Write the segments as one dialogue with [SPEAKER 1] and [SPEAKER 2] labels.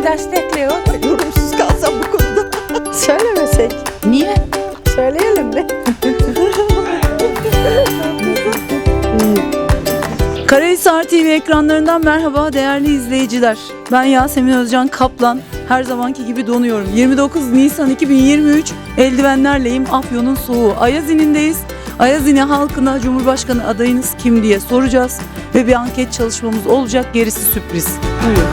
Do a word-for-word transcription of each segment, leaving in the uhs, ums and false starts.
[SPEAKER 1] Seni destekliyor.
[SPEAKER 2] Yorumsuz kalsam bu konuda.
[SPEAKER 3] Söylemesek.
[SPEAKER 1] Niye?
[SPEAKER 3] Söyleyelim mi?
[SPEAKER 4] Karahisar T V ekranlarından merhaba değerli izleyiciler. Ben Yasemin Özcan Kaplan. Her zamanki gibi donuyorum. yirmi dokuz Nisan iki bin yirmi üç eldivenlerleyim. Afyon'un soğuğu. Ayazinin'deyiz. Ayazini halkına Cumhurbaşkanı adayınız kim diye soracağız. Ve bir anket çalışmamız olacak. Gerisi sürpriz. Buyurun.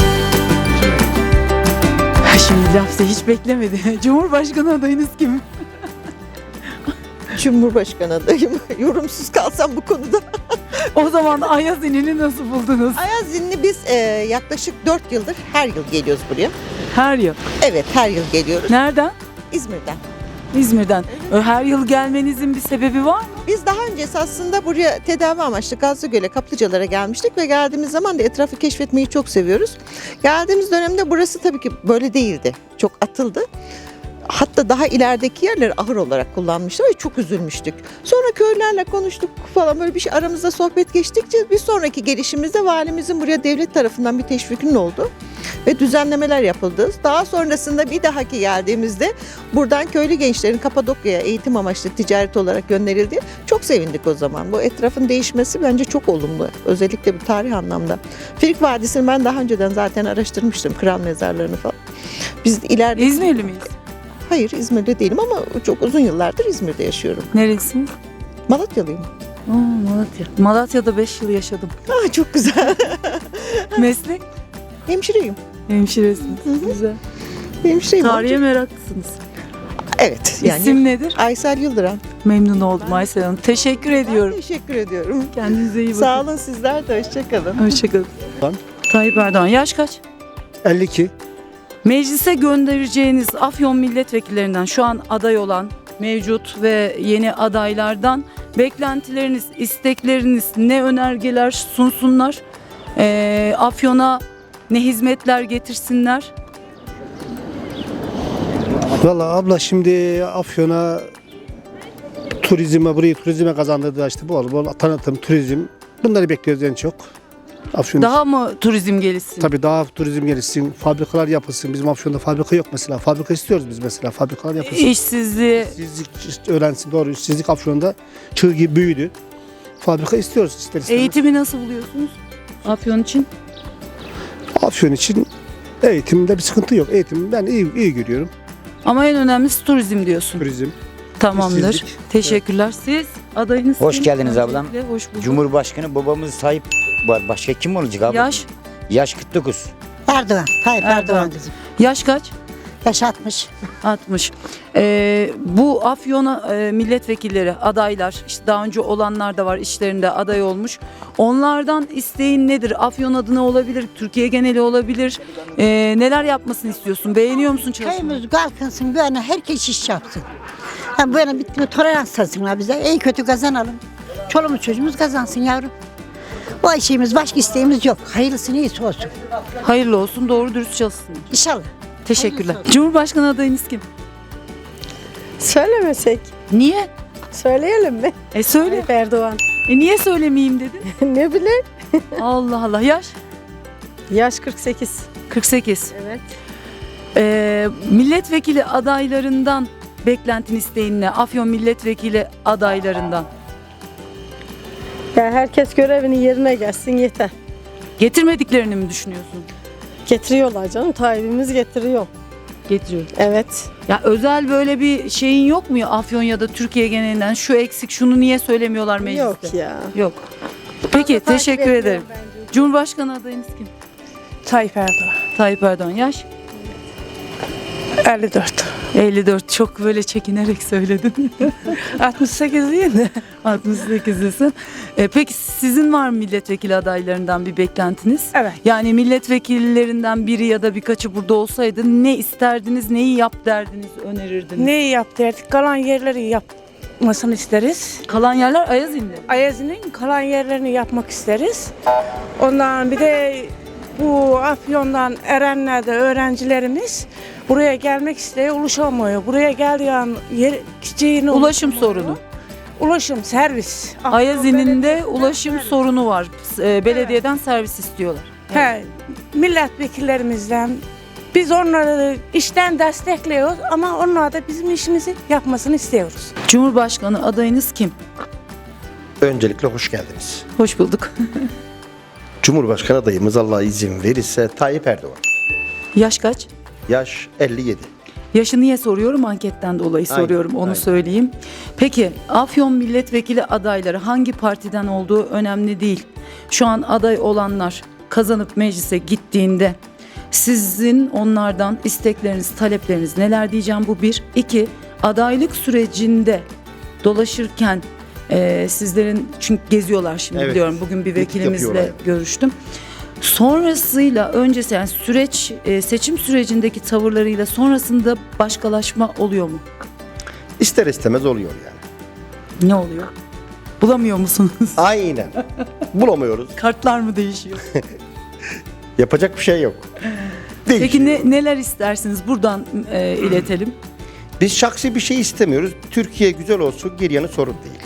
[SPEAKER 4] Şimdi lafta hiç beklemedi. Cumhurbaşkanı adayınız kim?
[SPEAKER 2] Cumhurbaşkanı adayım. Yorumsuz kalsam bu konuda.
[SPEAKER 4] O zaman Ayazinin'i nasıl buldunuz?
[SPEAKER 2] Ayazinli biz e, yaklaşık dört yıldır her yıl geliyoruz buraya.
[SPEAKER 4] Her yıl.
[SPEAKER 2] Evet, her yıl geliyoruz.
[SPEAKER 4] Nereden?
[SPEAKER 2] İzmir'den.
[SPEAKER 4] İzmir'den. Her yıl gelmenizin bir sebebi var mı?
[SPEAKER 2] Biz daha öncesi aslında buraya tedavi amaçlı Gazlıgöl'e, Kaplıcalara gelmiştik ve geldiğimiz zaman da etrafı keşfetmeyi çok seviyoruz. Geldiğimiz dönemde burası tabii ki böyle değildi. Çok atıldı. Hatta daha ilerideki yerleri ahır olarak kullanmışlar ve çok üzülmüştük. Sonra köylerle konuştuk falan, böyle bir şey aramızda sohbet geçtikçe bir sonraki gelişimizde valimizin buraya devlet tarafından bir teşvikinin oldu ve düzenlemeler yapıldı. Daha sonrasında bir dahaki geldiğimizde buradan köylü gençlerin Kapadokya'ya eğitim amaçlı ticaret olarak gönderildi. Çok sevindik o zaman. Bu etrafın değişmesi bence çok olumlu. Özellikle bir tarih anlamda. Frig Vadisi'ni ben daha önceden zaten araştırmıştım. Kral mezarlarını falan. Biz ileride...
[SPEAKER 4] İzmirli miyiz?
[SPEAKER 2] Hayır, İzmir'de değilim ama çok uzun yıllardır İzmir'de yaşıyorum.
[SPEAKER 4] Neresiniz?
[SPEAKER 2] Malatyalıyım.
[SPEAKER 4] Aa, Malatya. Malatya'da beş yıl yaşadım.
[SPEAKER 2] Aa, çok güzel.
[SPEAKER 4] Meslek?
[SPEAKER 2] Hemşireyim.
[SPEAKER 4] Hemşiresiniz.
[SPEAKER 2] Hı hı.
[SPEAKER 4] Güzel.
[SPEAKER 2] Hemşireyim.
[SPEAKER 4] Tarihe meraklısınız.
[SPEAKER 2] Evet. Yani
[SPEAKER 4] İsim nedir?
[SPEAKER 2] Aysel Yıldıran.
[SPEAKER 4] Memnun oldum Aysel Hanım. Teşekkür ediyorum.
[SPEAKER 2] Teşekkür ediyorum.
[SPEAKER 4] Kendinize iyi bakın.
[SPEAKER 2] Sağ olun, sizler de hoşçakalın.
[SPEAKER 4] Hoşçakalın.
[SPEAKER 5] Ben?
[SPEAKER 4] Tayyip Erdoğan yaş kaç?
[SPEAKER 5] elli iki.
[SPEAKER 4] Meclise göndereceğiniz Afyon milletvekillerinden şu an aday olan mevcut ve yeni adaylardan beklentileriniz, istekleriniz, ne önergeler sunsunlar? Ee, Afyon'a ne hizmetler getirsinler?
[SPEAKER 5] Valla abla şimdi Afyon'a turizme, burayı turizme kazandırdı işte bol bol tanıtım, turizm. Bunları bekliyoruz en çok. Afyon
[SPEAKER 4] Daha mı turizm gelişsin?
[SPEAKER 5] Tabii daha turizm gelişsin, fabrikalar yapılsın. Bizim Afyon'da fabrika yok mesela. Fabrika istiyoruz biz mesela. Fabrikalar yapılsın.
[SPEAKER 4] İşsizliği,
[SPEAKER 5] İşsizlik öğrensin, doğru. İşsizlik Afyon'da çığ gibi büyüdü. Fabrika istiyoruz ister istemez.
[SPEAKER 4] eğitimi nasıl buluyorsunuz Afyon için?
[SPEAKER 5] Afyon için eğitimde bir sıkıntı yok. Eğitim ben iyi, iyi görüyorum.
[SPEAKER 4] Ama en önemlisi turizm diyorsun.
[SPEAKER 5] Turizm.
[SPEAKER 4] Tamamdır.
[SPEAKER 5] işsizlik.
[SPEAKER 4] Teşekkürler. Siz adayınız
[SPEAKER 6] Hoş
[SPEAKER 4] kim?
[SPEAKER 6] geldiniz ablam.
[SPEAKER 4] Öncelikle Hoş bulduk.
[SPEAKER 6] Cumhurbaşkanı babamız Tayyip var. Başka kim olacak abi?
[SPEAKER 4] Yaş,
[SPEAKER 6] Yaş kırk dokuz.
[SPEAKER 7] Erdoğan, Tayyip
[SPEAKER 4] Erdoğan.
[SPEAKER 7] Erdoğan kızım.
[SPEAKER 4] yaş kaç?
[SPEAKER 7] Yaş altmış.
[SPEAKER 4] altmış. Ee, bu Afyon e, milletvekilleri, adaylar, işte daha önce olanlar da var, işlerinde aday olmuş. Onlardan isteğin nedir? Afyon adına olabilir, Türkiye geneli olabilir. Ee, neler yapmasını istiyorsun? Beğeniyor musun çalışmayı?
[SPEAKER 7] Köyümüz kalkınsın, böyle herkes iş yapsın. Ha, böyle bir tolerans tansınlar bize. İyi kötü kazanalım. Çoluğumuz çocuğumuz kazansın yavrum. O işimiz, başka isteğimiz yok. Hayırlısı iyisi olsun.
[SPEAKER 4] Hayırlı olsun, doğru dürüst çalışsın.
[SPEAKER 7] İnşallah.
[SPEAKER 4] Teşekkürler.
[SPEAKER 7] Hayırlısı olsun.
[SPEAKER 4] Cumhurbaşkanı adayınız kim?
[SPEAKER 3] Söylemesek.
[SPEAKER 4] Niye?
[SPEAKER 3] Söyleyelim mi?
[SPEAKER 4] E söyle.
[SPEAKER 3] Tayyip Erdoğan.
[SPEAKER 4] E niye söylemeyeyim dedin?
[SPEAKER 3] Ne bileyim.
[SPEAKER 4] Allah Allah. Yaş?
[SPEAKER 3] Yaş kırk sekiz.
[SPEAKER 4] kırk sekiz.
[SPEAKER 3] Evet.
[SPEAKER 4] Ee, milletvekili adaylarından beklentin isteğin ne? Afyon milletvekili adaylarından.
[SPEAKER 3] Ya herkes görevini yerine gelsin yeter.
[SPEAKER 4] Getirmediklerini mi düşünüyorsun?
[SPEAKER 3] Getiriyorlar canım. Tayyip'imiz getiriyor.
[SPEAKER 4] Getiriyor.
[SPEAKER 3] Evet.
[SPEAKER 4] Ya özel böyle bir şeyin yok mu ya Afyon ya da Türkiye genelinden şu eksik şunu niye söylemiyorlar mecliste?
[SPEAKER 3] Yok ya.
[SPEAKER 4] Yok. Peki
[SPEAKER 3] Takip
[SPEAKER 4] teşekkür
[SPEAKER 3] ediyorum
[SPEAKER 4] ederim.
[SPEAKER 3] bence.
[SPEAKER 4] Cumhurbaşkanı adayınız kim?
[SPEAKER 1] Tayyip Erdoğan.
[SPEAKER 4] Tayyip Erdoğan. Yaş?
[SPEAKER 1] elli dört.
[SPEAKER 4] elli dört. Çok böyle çekinerek söyledin.
[SPEAKER 1] altmış sekiz değil mi?
[SPEAKER 4] altmış sekizlisin. Ee, peki sizin var mı milletvekili adaylarından bir beklentiniz?
[SPEAKER 1] Evet.
[SPEAKER 4] Yani milletvekillerinden biri ya da birkaçı burada olsaydı ne isterdiniz, neyi yap derdiniz, önerirdiniz?
[SPEAKER 1] Neyi yap derdik? Kalan yerleri yapmasını isteriz.
[SPEAKER 4] Kalan yerler Ayazin'de.
[SPEAKER 1] Ayazi'nin kalan yerlerini yapmak isteriz. Ondan bir de bu Afyon'dan Erenler'de öğrencilerimiz buraya gelmek istiyor, ulaşamıyor. Buraya geldiği an yer, gideceğini
[SPEAKER 4] Ulaşım
[SPEAKER 1] ulaşamıyor.
[SPEAKER 4] sorunu.
[SPEAKER 1] Ulaşım, servis. Afyon
[SPEAKER 4] Ayazin'in de
[SPEAKER 1] Belediyesi'nden
[SPEAKER 4] ulaşım
[SPEAKER 1] servis.
[SPEAKER 4] sorunu var. Ee, Belediyeden servis istiyorlar.
[SPEAKER 1] He, milletvekillerimizden Biz onları işten destekliyoruz ama onlar da bizim işimizi yapmasını istiyoruz.
[SPEAKER 4] Cumhurbaşkanı adayınız kim?
[SPEAKER 8] Öncelikle hoş geldiniz.
[SPEAKER 4] Hoş bulduk.
[SPEAKER 8] Cumhurbaşkanı adayımız Allah izin verirse Tayyip Erdoğan.
[SPEAKER 4] Yaş kaç?
[SPEAKER 8] Yaş elli yedi.
[SPEAKER 4] Yaşı niye soruyorum? Anketten dolayı
[SPEAKER 8] Aynen,
[SPEAKER 4] soruyorum, onu
[SPEAKER 8] aynen.
[SPEAKER 4] söyleyeyim. Peki Afyon milletvekili adayları hangi partiden olduğu önemli değil. Şu an aday olanlar kazanıp meclise gittiğinde sizin onlardan istekleriniz, talepleriniz neler diyeceğim, bu bir. İki, adaylık sürecinde dolaşırken e, sizlerin, çünkü geziyorlar şimdi
[SPEAKER 8] Evet.
[SPEAKER 4] biliyorum, bugün bir
[SPEAKER 8] Miting
[SPEAKER 4] vekilimizle
[SPEAKER 8] yapıyorlar.
[SPEAKER 4] görüştüm. Sonrasıyla öncesi, yani süreç, e, seçim sürecindeki tavırlarıyla sonrasında başkalaşma oluyor mu?
[SPEAKER 8] İster istemez oluyor yani.
[SPEAKER 4] Ne oluyor? Bulamıyor musunuz?
[SPEAKER 8] Aynen. Bulamıyoruz.
[SPEAKER 4] Kartlar mı değişiyor?
[SPEAKER 8] Yapacak bir şey yok.
[SPEAKER 4] Peki
[SPEAKER 8] Değişiyor.
[SPEAKER 4] ne, neler istersiniz? Buradan e, iletelim.
[SPEAKER 8] Biz şahsi bir şey istemiyoruz. Türkiye güzel olsun, geri yanı sorun değil.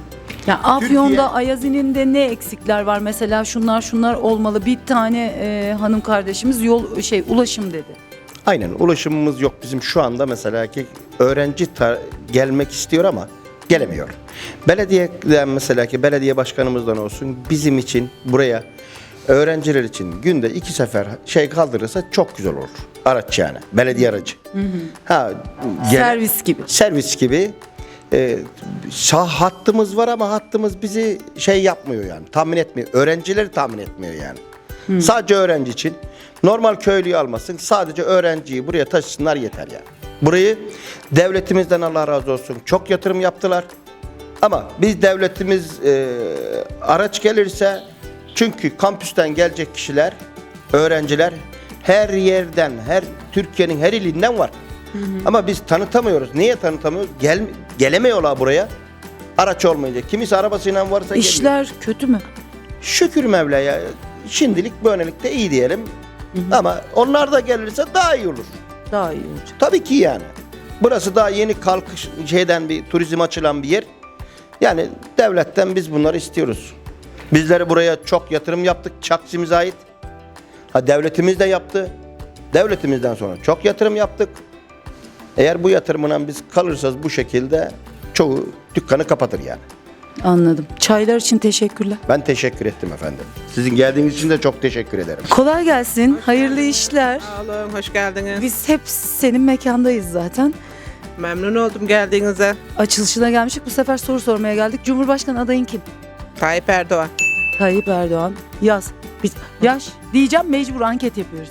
[SPEAKER 4] Ya Afyon'da
[SPEAKER 8] Türkiye-
[SPEAKER 4] Ayazi'nin de ne eksikler var? Mesela şunlar şunlar olmalı. Bir tane e, hanım kardeşimiz yol şey ulaşım dedi.
[SPEAKER 8] Aynen, ulaşımımız yok bizim şu anda, mesela ki öğrenci ta- gelmek istiyor ama gelemiyor. Belediyeden, mesela ki belediye başkanımızdan olsun, bizim için buraya öğrenciler için günde iki sefer şey kaldırırsa çok güzel olur. Araç yani, belediye aracı. Ha, gel-
[SPEAKER 4] Servis gibi.
[SPEAKER 8] servis gibi. E, sağ hattımız var ama hattımız bizi şey yapmıyor yani, tahmin etmiyor. Öğrencileri tahmin etmiyor yani. Sadece öğrenci için. Normal köylüyü almasın, sadece öğrenciyi buraya taşısınlar yeter yani. Burayı devletimizden Allah razı olsun çok yatırım yaptılar. Ama biz devletimiz e, araç gelirse, çünkü kampüsten gelecek kişiler, öğrenciler her yerden, her Türkiye'nin her ilinden var. Ama biz tanıtamıyoruz. Niye tanıtamıyoruz? Gel, gelemiyorlar buraya. Araç olmayınca. Kimisi arabasıyla varsa geliyor.
[SPEAKER 4] İşler kötü mü?
[SPEAKER 8] Şükür Mevla'ya. Şimdilik böylelikle iyi diyelim. Ama onlar da gelirse daha iyi olur.
[SPEAKER 4] Daha iyi olacak.
[SPEAKER 8] Tabii ki yani. Burası daha yeni kalkış şeyden bir turizm açılan bir yer. Yani devletten biz bunları istiyoruz. Bizleri buraya çok yatırım yaptık. Çakçımıza ait. Ha, devletimiz de yaptı. Devletimizden sonra çok yatırım yaptık. Eğer bu yatırımla biz kalırsak bu şekilde çoğu dükkanı kapatır yani.
[SPEAKER 4] Anladım. Çaylar için teşekkürler.
[SPEAKER 8] Ben teşekkür ettim efendim. Sizin geldiğiniz için de çok teşekkür ederim.
[SPEAKER 4] Kolay gelsin. Hayırlı işler.
[SPEAKER 9] Sağ olun, hoş geldiniz.
[SPEAKER 4] Biz hep senin mekandayız zaten.
[SPEAKER 9] Memnun oldum geldiğinize.
[SPEAKER 4] Açılışına gelmiştik. Bu sefer soru sormaya geldik. Cumhurbaşkanı adayın kim?
[SPEAKER 9] Tayyip Erdoğan.
[SPEAKER 4] Tayyip Erdoğan. Yaz. Biz, yaş diyeceğim, mecbur anket yapıyoruz.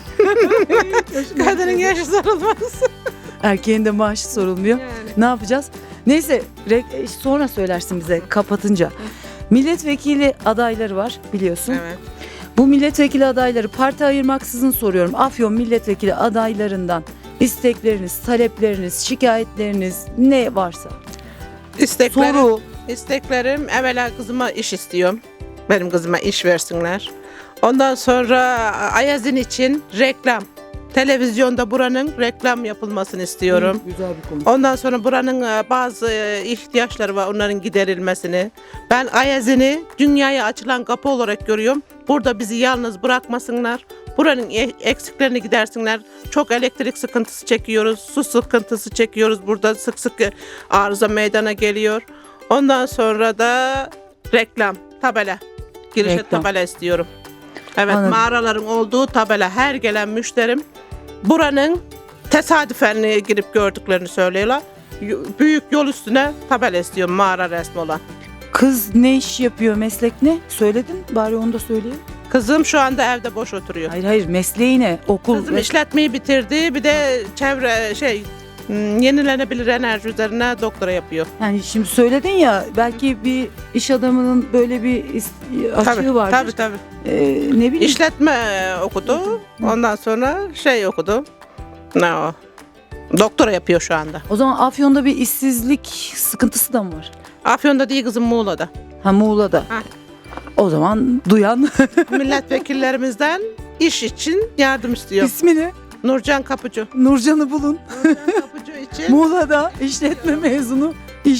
[SPEAKER 9] Kadının yaşı sorulmaz.
[SPEAKER 4] Erkeğin de maaşı sorulmuyor.
[SPEAKER 9] Yani.
[SPEAKER 4] Ne yapacağız? Neyse re- sonra söylersin bize kapatınca. Milletvekili adayları var biliyorsun.
[SPEAKER 9] Evet.
[SPEAKER 4] Bu milletvekili adayları parti ayırmaksızın soruyorum. Afyon milletvekili adaylarından istekleriniz, talepleriniz, şikayetleriniz ne varsa.
[SPEAKER 9] İsteklerim,
[SPEAKER 4] Soru.
[SPEAKER 9] isteklerim evvela kızıma iş istiyorum. Benim kızıma iş versinler. Ondan sonra Ayazin için reklam. Televizyonda buranın reklam yapılmasını istiyorum.
[SPEAKER 4] Güzel bir konu.
[SPEAKER 9] Ondan sonra buranın e, bazı e, ihtiyaçları var, onların giderilmesini. Ben Ayazin'i dünyaya açılan kapı olarak görüyorum. Burada bizi yalnız bırakmasınlar. Buranın e- eksiklerini gidersinler. Çok elektrik sıkıntısı çekiyoruz, su sıkıntısı çekiyoruz. Burada sık sık e, arıza meydana geliyor. Ondan sonra da reklam, tabela. Girişe
[SPEAKER 4] Reklam.
[SPEAKER 9] tabela istiyorum. Evet,
[SPEAKER 4] Anladım.
[SPEAKER 9] mağaraların olduğu tabela. Her gelen müşterim buranın tesadüfen girip gördüklerini söylüyorlar. Y- Büyük yol üstüne tabela istiyorum, mağara resmi olan.
[SPEAKER 4] Kız ne iş yapıyor, meslek ne? Söyledin, bari onu da söyleyeyim.
[SPEAKER 9] Kızım şu anda evde boş oturuyor.
[SPEAKER 4] Hayır hayır, mesleği ne? Okul.
[SPEAKER 9] Kızım
[SPEAKER 4] ve-
[SPEAKER 9] işletmeyi bitirdi, bir de çevre şey hmm, yenilenebilir enerji üzerine doktora yapıyor.
[SPEAKER 4] Yani şimdi söyledin ya, belki bir iş adamının böyle bir is- açığı
[SPEAKER 9] Tabii,
[SPEAKER 4] vardır.
[SPEAKER 9] tabii tabii.
[SPEAKER 4] Ee, ne bileyim.
[SPEAKER 9] İşletme okudu, ondan sonra şey okudu. Ne o? Doktora yapıyor şu anda.
[SPEAKER 4] O zaman Afyon'da bir işsizlik sıkıntısı da mı var?
[SPEAKER 9] Afyon'da değil kızım, Muğla'da.
[SPEAKER 4] Ha, Muğla'da.
[SPEAKER 9] Ha.
[SPEAKER 4] O zaman duyan
[SPEAKER 9] Milletvekillerimizden iş için yardım istiyor.
[SPEAKER 4] ismi ne?
[SPEAKER 9] Nurcan Kapıcı.
[SPEAKER 4] Nurcan'ı bulun.
[SPEAKER 9] Nurcan Kapıcı için
[SPEAKER 4] Muğla'da işletme mezunu iş.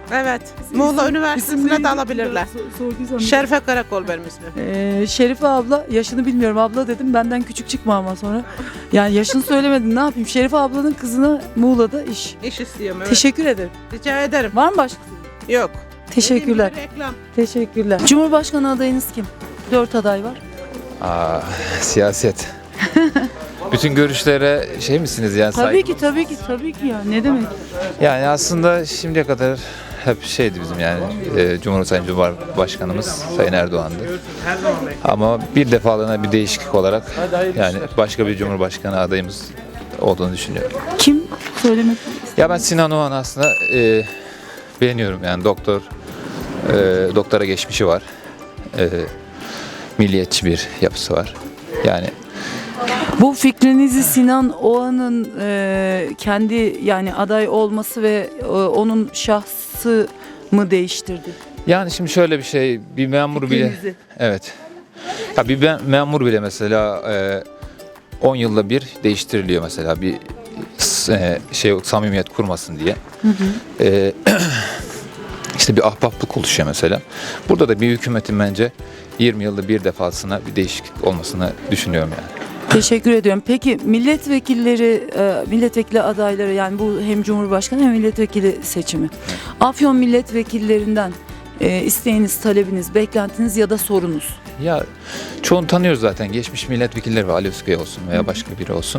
[SPEAKER 9] Evet. Muğla
[SPEAKER 4] İsim
[SPEAKER 9] Üniversitesi'ne de
[SPEAKER 4] neydi?
[SPEAKER 9] alabilirler.
[SPEAKER 4] Sor- sorduysam-
[SPEAKER 9] Şerife Karakol benim ismim.
[SPEAKER 4] Ee, Şerife abla, yaşını bilmiyorum abla dedim, benden küçük çıkma ama sonra. Yani yaşını söylemedin, ne yapayım? Şerife ablanın kızına Muğla'da iş.
[SPEAKER 9] İş istiyorum evet.
[SPEAKER 4] Teşekkür ederim.
[SPEAKER 9] Rica ederim.
[SPEAKER 4] Var mı başka?
[SPEAKER 9] Yok.
[SPEAKER 4] Teşekkürler.
[SPEAKER 9] Dediğim gibi reklam.
[SPEAKER 4] Teşekkürler. Cumhurbaşkanı adayınız kim? Dört aday var.
[SPEAKER 10] Aa, siyaset. Bütün görüşlere şey misiniz yani?
[SPEAKER 4] Tabii
[SPEAKER 10] saygı-
[SPEAKER 4] ki, tabii ki, tabii ki ya. Ne demek?
[SPEAKER 10] Yani aslında şimdiye kadar hep şeydi bizim yani e, Cumhurbaşkanı Sayın Cumhurbaşkanımız Sayın Erdoğan'dı. Ama bir defalığına bir değişiklik olarak yani başka bir Cumhurbaşkanı adayımız olduğunu düşünüyorum.
[SPEAKER 4] Kim söylemek?
[SPEAKER 10] Ya ben Sinan Oğan aslında e, beğeniyorum yani doktor e, doktora geçmişi var. E, milliyetçi bir yapısı var. Yani
[SPEAKER 4] Bu fikrinizi Sinan Oğan'ın e, kendi yani aday olması ve e, onun şahsı mı değiştirdi?
[SPEAKER 10] Yani şimdi şöyle bir şey, bir memur bile,
[SPEAKER 4] Fikrinizi.
[SPEAKER 10] evet. Ya bir me- memur bile mesela e, on yılda bir değiştiriliyor mesela bir s- e, şey samimiyet kurmasın diye. E, işte bir ahbaplık oluşuyor mesela. Burada da bir hükümetin bence yirmi yılda bir defasına bir değişiklik olmasını düşünüyorum yani.
[SPEAKER 4] Teşekkür ediyorum. Peki milletvekilleri, e, milletvekili adayları yani bu hem Cumhurbaşkanı hem milletvekili seçimi. Afyon milletvekillerinden e, isteğiniz, talebiniz, beklentiniz ya da sorunuz?
[SPEAKER 10] Ya çoğunu tanıyoruz zaten. Geçmiş milletvekilleri var. Ali Özkaya olsun veya başka biri olsun.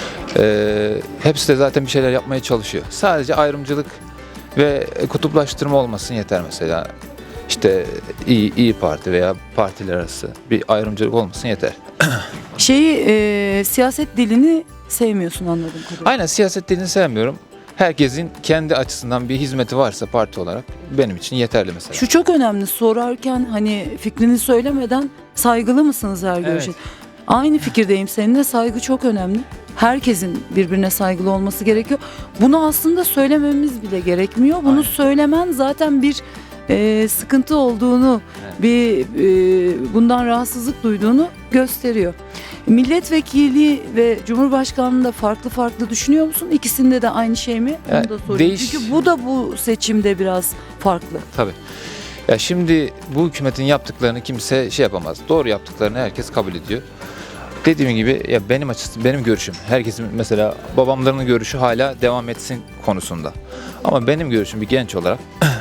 [SPEAKER 10] Ee, hepsi de zaten bir şeyler yapmaya çalışıyor. Sadece ayrımcılık ve kutuplaştırma olmasın yeter mesela. İşte İyi, İyi Parti veya partiler arası bir ayrımcılık olmasın yeter.
[SPEAKER 4] Şeyi e, siyaset dilini sevmiyorsun anladığım kadarıyla.
[SPEAKER 10] Aynen siyaset dilini sevmiyorum. Herkesin kendi açısından bir hizmeti varsa parti olarak benim için yeterli mesela.
[SPEAKER 4] Şu çok önemli, sorarken hani fikrini söylemeden saygılı mısınız her görüşe?
[SPEAKER 10] Evet.
[SPEAKER 4] Aynı fikirdeyim seninle, saygı çok önemli. Herkesin birbirine saygılı olması gerekiyor. Bunu aslında söylememiz bile gerekmiyor. Bunu
[SPEAKER 10] Aynen.
[SPEAKER 4] söylemen zaten bir e, sıkıntı olduğunu,
[SPEAKER 10] Evet.
[SPEAKER 4] bir e, bundan rahatsızlık duyduğunu gösteriyor. Milletvekili ve Cumhurbaşkanlığında farklı farklı düşünüyor musun? İkisinde de aynı şey mi? Onu
[SPEAKER 10] Ya,
[SPEAKER 4] da sorayım.
[SPEAKER 10] değiş-
[SPEAKER 4] Çünkü bu da bu seçimde biraz farklı.
[SPEAKER 10] Tabii. Ya şimdi bu hükümetin yaptıklarını kimse şey yapamaz. Doğru yaptıklarını herkes kabul ediyor. Dediğim gibi ya benim açısı benim görüşüm. Herkesin mesela babamların görüşü hala devam etsin konusunda. Ama benim görüşüm bir genç olarak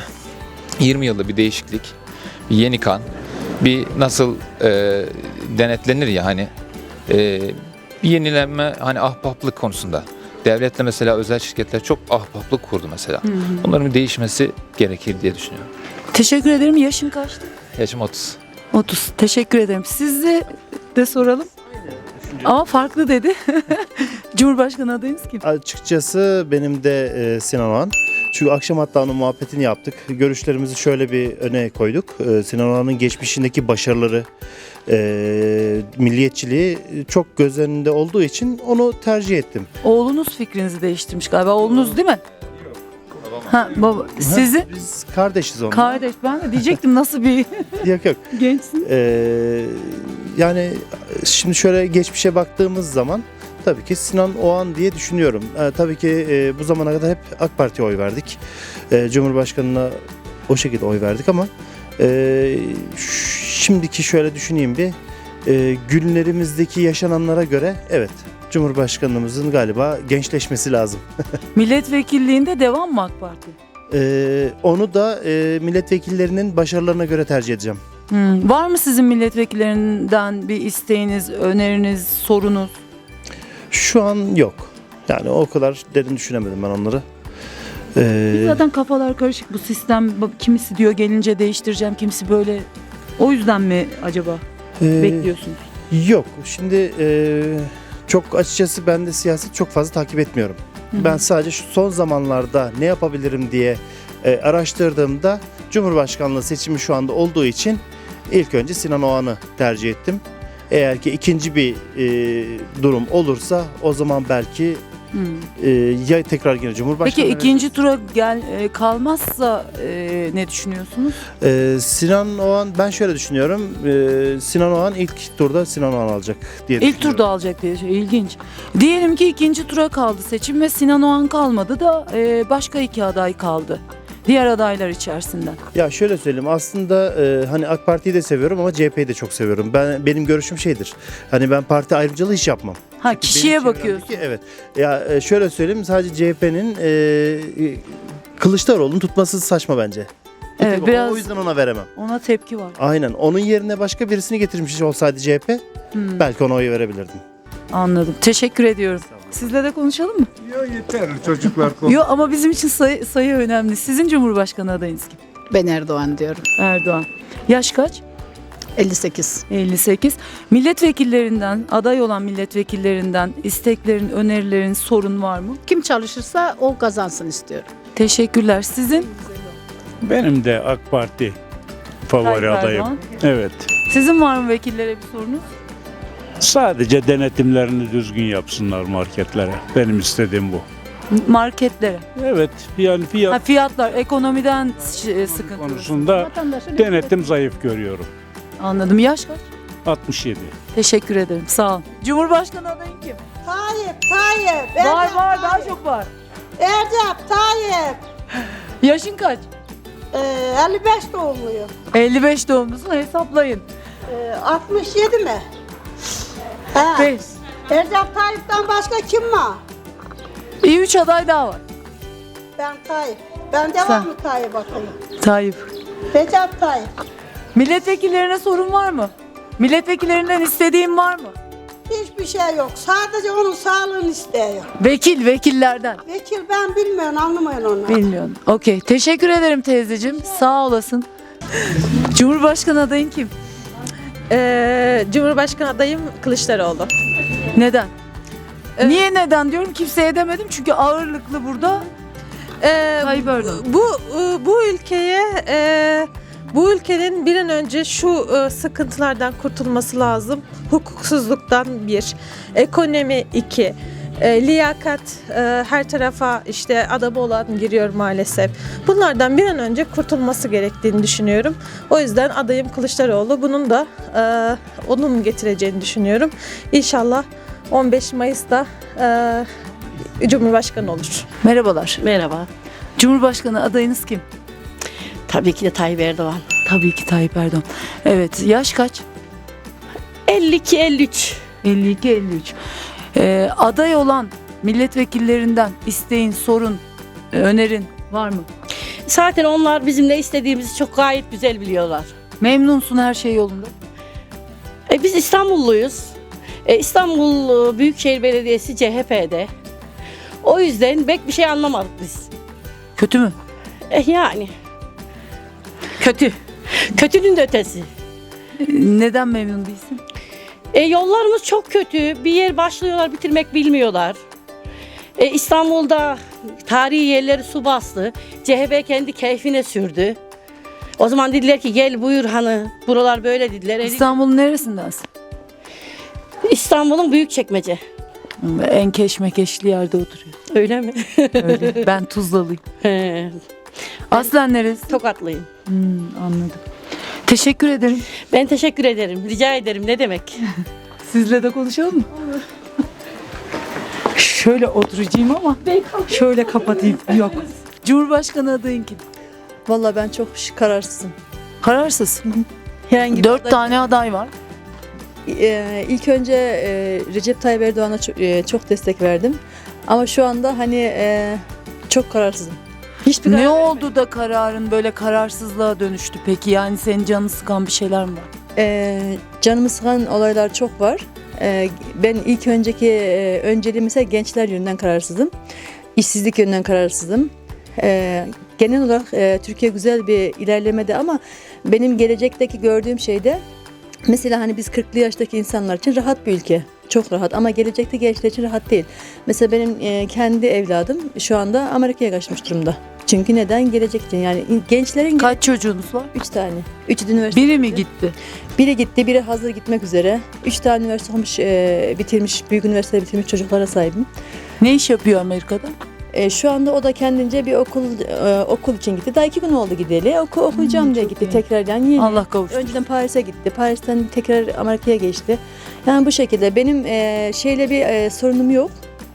[SPEAKER 10] yirmi yılda bir değişiklik, bir yeni kan, bir nasıl e, denetlenir ya hani e, bir yenilenme hani ahbaplık konusunda. Devletle mesela özel şirketler çok ahbaplık kurdu mesela. Bunların bir değişmesi gerekir diye düşünüyorum.
[SPEAKER 4] Teşekkür ederim. Yaşın kaçtı?
[SPEAKER 10] Yaşım otuz.
[SPEAKER 4] otuz. Teşekkür ederim. Sizi de soralım. Ama farklı dedi. Cumhurbaşkanı adayınız kim?
[SPEAKER 11] Açıkçası benim de e, Sinan Oğan. Çünkü akşam hatta onun muhabbetini yaptık. Görüşlerimizi şöyle bir öne koyduk. E, Sinan Oğan'ın geçmişindeki başarıları, e, milliyetçiliği çok göz önünde olduğu için onu tercih ettim.
[SPEAKER 4] Oğlunuz fikrinizi değiştirmiş galiba. Oğlunuz değil mi? Ha, baba. Sizi?
[SPEAKER 11] Biz kardeşiz onunla.
[SPEAKER 4] Kardeş. Ben de diyecektim nasıl bir
[SPEAKER 11] Yok yok.
[SPEAKER 4] gençsin.
[SPEAKER 11] Ee, yani şimdi şöyle geçmişe baktığımız zaman tabii ki Sinan Oğan diye düşünüyorum. Ee, tabii ki e, bu zamana kadar hep AK Parti'ye oy verdik. Ee, Cumhurbaşkanına o şekilde oy verdik ama e, ş- şimdiki şöyle düşüneyim bir e, günlerimizdeki yaşananlara göre evet Cumhurbaşkanımızın galiba gençleşmesi lazım.
[SPEAKER 4] Milletvekilliğinde devam mı AK Parti?
[SPEAKER 11] Ee, onu da e, milletvekillerinin başarılarına göre tercih edeceğim.
[SPEAKER 4] Hmm. Var mı sizin milletvekillerinden bir isteğiniz, öneriniz, sorunuz?
[SPEAKER 11] Şu an yok. Yani o kadar derin düşünemedim ben onları. Ee,
[SPEAKER 4] Zaten kafalar karışık bu sistem. Bak, kimisi diyor gelince değiştireceğim, kimisi böyle. O yüzden mi acaba
[SPEAKER 11] e,
[SPEAKER 4] bekliyorsunuz?
[SPEAKER 11] Yok. Şimdi e, çok açıkçası ben de siyaset çok fazla takip etmiyorum.
[SPEAKER 4] Hı hı.
[SPEAKER 11] Ben sadece şu son zamanlarda ne yapabilirim diye e, araştırdığımda Cumhurbaşkanlığı seçimi şu anda olduğu için ilk önce Sinan Oğan'ı tercih ettim. Eğer ki ikinci bir e, durum olursa o zaman belki
[SPEAKER 4] Hmm.
[SPEAKER 11] e, ya tekrar yine Cumhurbaşkanı.
[SPEAKER 4] Peki ikinci tura gel e, kalmazsa e, ne düşünüyorsunuz?
[SPEAKER 11] Ee, Sinan Oğan ben şöyle düşünüyorum. Ee, Sinan Oğan ilk turda Sinan Oğan alacak diye
[SPEAKER 4] İlk
[SPEAKER 11] düşünüyorum.
[SPEAKER 4] turda alacak diye şey ilginç. Diyelim ki ikinci tura kaldı seçim ve Sinan Oğan kalmadı da e, başka iki aday kaldı. diğer adaylar içerisinden?
[SPEAKER 11] Ya şöyle söyleyeyim, aslında e, hani AK Parti'yi de seviyorum ama C H P'yi de çok seviyorum. Ben benim görüşüm şeydir. Hani ben parti ayrımcılığı hiç yapmam.
[SPEAKER 4] Ha, kişiye
[SPEAKER 11] Benim
[SPEAKER 4] bakıyorsun.
[SPEAKER 11] çevremdeki- Evet. Ya e, şöyle söyleyeyim, sadece C H P'nin e, e, Kılıçdaroğlu'nun tutması saçma bence.
[SPEAKER 4] Evet, biraz
[SPEAKER 11] O yüzden ona veremem.
[SPEAKER 4] ona tepki var.
[SPEAKER 11] Aynen. Onun yerine başka birisini getirmiş olsaydı C H P,
[SPEAKER 4] Hmm,
[SPEAKER 11] belki ona oy verebilirdim.
[SPEAKER 4] anladım. Teşekkür ediyorum. Sizle de konuşalım mı?
[SPEAKER 5] Yok yeter çocuklar.
[SPEAKER 4] Yok ama bizim için sayı, sayı önemli. Sizin Cumhurbaşkanı adayınız kim?
[SPEAKER 12] Ben Erdoğan diyorum.
[SPEAKER 4] Erdoğan. Yaş kaç?
[SPEAKER 12] elli sekiz.
[SPEAKER 4] elli sekiz. Milletvekillerinden, aday olan milletvekillerinden isteklerin, önerilerin, sorun var mı?
[SPEAKER 12] Kim çalışırsa o kazansın istiyorum.
[SPEAKER 4] Teşekkürler. Sizin?
[SPEAKER 13] Benim de AK Parti favori
[SPEAKER 4] Tayyip
[SPEAKER 13] adayım.
[SPEAKER 4] Erdoğan.
[SPEAKER 13] Evet.
[SPEAKER 4] Sizin var mı vekillere bir sorunuz?
[SPEAKER 13] Sadece denetimlerini düzgün yapsınlar marketlere. Benim istediğim bu.
[SPEAKER 4] Marketlere.
[SPEAKER 13] Evet. Yani fiyat
[SPEAKER 4] Ha, fiyatlar, ekonomiden ş- sıkıntı.
[SPEAKER 13] konusunda
[SPEAKER 12] Vatandaşın
[SPEAKER 13] denetim zayıf görüyorum.
[SPEAKER 4] Anladım. Yaş kaç?
[SPEAKER 13] altmış yedi.
[SPEAKER 4] Teşekkür ederim. Sağ olun. Cumhurbaşkanı adayın kim?
[SPEAKER 7] Tayyip, Tayyip.
[SPEAKER 4] Var var, daha çok var.
[SPEAKER 7] Ercep, Tayyip.
[SPEAKER 4] Yaşın kaç?
[SPEAKER 7] Ee, elli beş doğumluyum.
[SPEAKER 4] elli beş doğumlusun, hesaplayın.
[SPEAKER 7] Ee, altmış yedi mi? He.
[SPEAKER 4] beş.
[SPEAKER 7] Ercep Tayyip'ten başka kim var?
[SPEAKER 4] İyi üç aday daha var.
[SPEAKER 7] Ben Tayyip. Ben
[SPEAKER 4] Sen.
[SPEAKER 7] devamlı Tayyip bakayım.
[SPEAKER 4] Tayyip.
[SPEAKER 7] Recep Tayyip.
[SPEAKER 4] Milletvekillerine sorun var mı? Milletvekillerinden istediğin var mı?
[SPEAKER 7] Hiçbir şey yok. Sadece onun sağlığını istiyor.
[SPEAKER 4] Vekil, vekillerden.
[SPEAKER 7] Vekil ben bilmiyorum, anlamıyorum onu.
[SPEAKER 4] Bilmiyorum. Okey. Teşekkür ederim teyzeciğim. Sağ olasın. Cumhurbaşkanı adayın kim?
[SPEAKER 3] Ee, Cumhurbaşkanı adayım Kılıçdaroğlu.
[SPEAKER 4] Neden? Niye neden diyorum? Kimseye demedim çünkü ağırlıklı burada
[SPEAKER 3] Ee,
[SPEAKER 4] Tayyip Erdoğan.
[SPEAKER 3] bu bu ülkeye e, bu ülkenin bir an önce şu e, sıkıntılardan kurtulması lazım. Hukuksuzluktan bir, ekonomi iki, e, liyakat e, her tarafa işte adamı olan giriyor maalesef. Bunlardan bir an önce kurtulması gerektiğini düşünüyorum. O yüzden adayım Kılıçdaroğlu. Bunun da e, onun getireceğini düşünüyorum. İnşallah on beş Mayıs'ta e, Cumhurbaşkanı olur.
[SPEAKER 4] Merhabalar.
[SPEAKER 12] Merhaba.
[SPEAKER 4] Cumhurbaşkanı adayınız kim?
[SPEAKER 12] Tabii ki de Tayyip Erdoğan.
[SPEAKER 4] Tabii ki Tayyip Erdoğan. Evet. Yaş kaç?
[SPEAKER 12] elli iki elli üç.
[SPEAKER 4] elli iki elli üç. Ee, aday olan milletvekillerinden isteğin, sorun, e, önerin var mı?
[SPEAKER 12] Zaten onlar bizim ne istediğimizi çok gayet güzel biliyorlar.
[SPEAKER 4] Memnunsun, her şey yolunda.
[SPEAKER 12] E, biz İstanbulluyuz. E, İstanbul e, Büyükşehir Belediyesi C H P'de. O yüzden pek bir şey anlamadık biz.
[SPEAKER 4] Kötü mü?
[SPEAKER 12] E, yani. Kötü. Kötünün de ötesi.
[SPEAKER 4] Ee, Neden memnun değilsin?
[SPEAKER 12] E, yollarımız çok kötü. Bir yer başlıyorlar, bitirmek bilmiyorlar. E, İstanbul'da tarihi yerleri su bastı. C H P kendi keyfine sürdü. O zaman dediler ki gel buyur hani buralar böyle dediler. E,
[SPEAKER 4] İstanbul'un neresindensin?
[SPEAKER 12] İstanbul'un Büyükçekmece.
[SPEAKER 4] En keşmekeşli yerde oturuyorsun.
[SPEAKER 12] Öyle mi?
[SPEAKER 4] Öyle. Ben Tuzlalıyım.
[SPEAKER 12] He,
[SPEAKER 4] Aslen neresi?
[SPEAKER 12] Tokatlıyım.
[SPEAKER 4] Hmm, anladım. Teşekkür ederim.
[SPEAKER 12] Ben teşekkür ederim. Rica ederim. Ne demek?
[SPEAKER 4] Sizle de konuşalım mı? Şöyle oturacağım ama şöyle kapatayım. Yok. Cumhurbaşkanı adayın kim?
[SPEAKER 3] Vallahi ben çok kararsızım.
[SPEAKER 4] Kararsız.
[SPEAKER 3] Herhangi bir
[SPEAKER 4] Dört
[SPEAKER 3] aday-
[SPEAKER 4] tane aday var.
[SPEAKER 3] Ee, ilk önce e, Recep Tayyip Erdoğan'a çok, e, çok destek verdim. Ama şu anda hani e, çok kararsızım. Hiçbir
[SPEAKER 4] Ne
[SPEAKER 3] karar
[SPEAKER 4] oldu da kararın böyle kararsızlığa dönüştü peki? Yani senin canını sıkan bir şeyler mi var?
[SPEAKER 3] e, canımı sıkan olaylar çok var. E, ben ilk önceki e, önceliğim mesela gençler yönünden kararsızım. İşsizlik yönünden kararsızım. E, genel olarak e, Türkiye güzel bir ilerlemede ama benim gelecekteki gördüğüm şey de mesela hani biz kırklı yaştaki insanlar için rahat bir ülke. Çok rahat ama gelecekte gençler için rahat değil. Mesela benim e, kendi evladım şu anda Amerika'ya kaçmış durumda. Çünkü neden? Gelecek için. Yani gençlerin
[SPEAKER 4] Kaç çocuğunuz var?
[SPEAKER 3] üç tane. Üçü de üniversite.
[SPEAKER 4] Biri mi gitti?
[SPEAKER 3] Biri gitti, biri hazır gitmek üzere. Üç tane üniversite olmuş, e, bitirmiş, büyük üniversite bitirmiş çocuklara sahibim.
[SPEAKER 4] Ne iş yapıyor Amerika'da?
[SPEAKER 3] E, şu anda o da kendince bir okul e, okul için gitti. Daha iki gün oldu gideli. Oku, okuyacağım
[SPEAKER 4] Hmm,
[SPEAKER 3] diye
[SPEAKER 4] çok
[SPEAKER 3] gitti
[SPEAKER 4] iyi.
[SPEAKER 3] tekrardan. Yeni.
[SPEAKER 4] Allah kavuştursun.
[SPEAKER 3] Önceden Paris'e gitti. Paris'ten tekrar Amerika'ya geçti. Yani bu şekilde benim e, şeyle bir e, sorunum yok.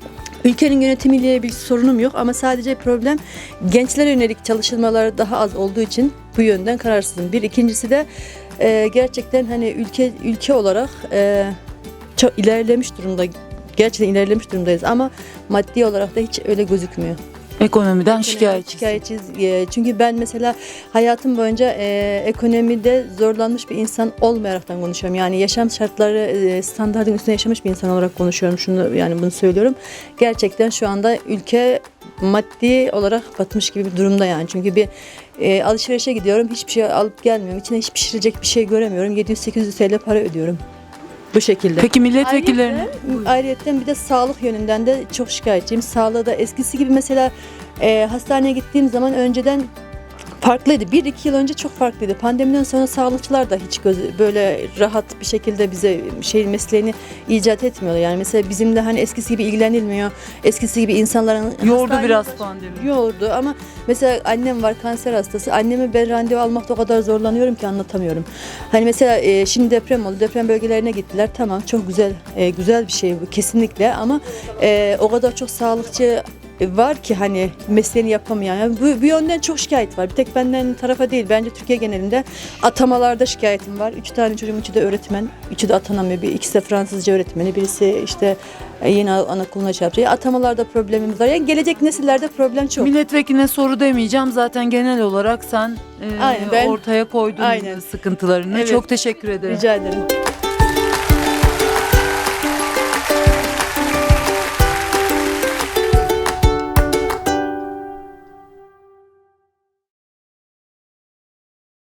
[SPEAKER 14] ülkenin yönetimiyle bir sorunum yok ama sadece problem gençlere yönelik çalışmalar daha az olduğu için bu yönden kararsızım. Bir ikincisi de e, gerçekten hani ülke ülke olarak e, çok ilerlemiş durumda. Gerçekten ilerlemiş durumdayız ama maddi olarak da hiç öyle gözükmüyor.
[SPEAKER 4] Ekonomiden şikayetçi.
[SPEAKER 14] Şikayetçiyiz. E, Çünkü ben mesela hayatım boyunca e, ekonomide zorlanmış bir insan olmayaraktan konuşuyorum. Yani yaşam şartları e, standartın üstünde yaşamış bir insan olarak konuşuyorum. Şunu yani bunu söylüyorum. Gerçekten şu anda ülke maddi olarak batmış gibi bir durumda yani. Çünkü bir e, alışverişe gidiyorum. Hiçbir şey alıp gelmiyorum. İçine hiç pişirecek bir şey göremiyorum. yedi yüz sekiz yüz T L para ödüyorum. Bu şekilde.
[SPEAKER 4] Peki milletvekillerinin
[SPEAKER 14] Ayrıca bir de sağlık yönünden de çok şikayetçiyim. Sağlığı da eskisi gibi mesela e, hastaneye gittiğim zaman önceden farklıydı. Bir iki yıl önce çok farklıydı. Pandemiden sonra sağlıkçılar da hiç göz, böyle rahat bir şekilde bize şey mesleğini icat etmiyorlar. Yani mesela bizimle hani eskisi gibi ilgilenilmiyor. Eskisi gibi insanların
[SPEAKER 4] yordu
[SPEAKER 14] hastane-
[SPEAKER 4] biraz pandemi.
[SPEAKER 14] Yordu ama mesela annem var kanser hastası. Anneme ben randevu almakta o kadar zorlanıyorum ki anlatamıyorum. Hani mesela e, şimdi deprem oldu. Deprem bölgelerine gittiler. Tamam çok güzel e, güzel bir şey bu kesinlikle ama e, o kadar çok sağlıkçı var ki hani mesleğini yapamayan. Yani bu, bu yönden çok şikayet var. Bir tek benden tarafa değil. Bence Türkiye genelinde atamalarda şikayetim var. Üç tane çocuğum, üçü de öğretmen. Üçü de atanamıyor. Bir, ikisi de Fransızca öğretmeni. Birisi işte yeni anaokuluna şey yapacak. Atamalarda problemimiz var. Yani gelecek nesillerde problem çok.
[SPEAKER 4] Milletvekiline soru demeyeceğim. Zaten genel olarak sen e,
[SPEAKER 14] Aynen, ben-
[SPEAKER 4] ortaya koydun
[SPEAKER 14] Aynen.
[SPEAKER 4] sıkıntılarını.
[SPEAKER 14] Evet.
[SPEAKER 4] Çok teşekkür ederim.
[SPEAKER 14] Rica ederim.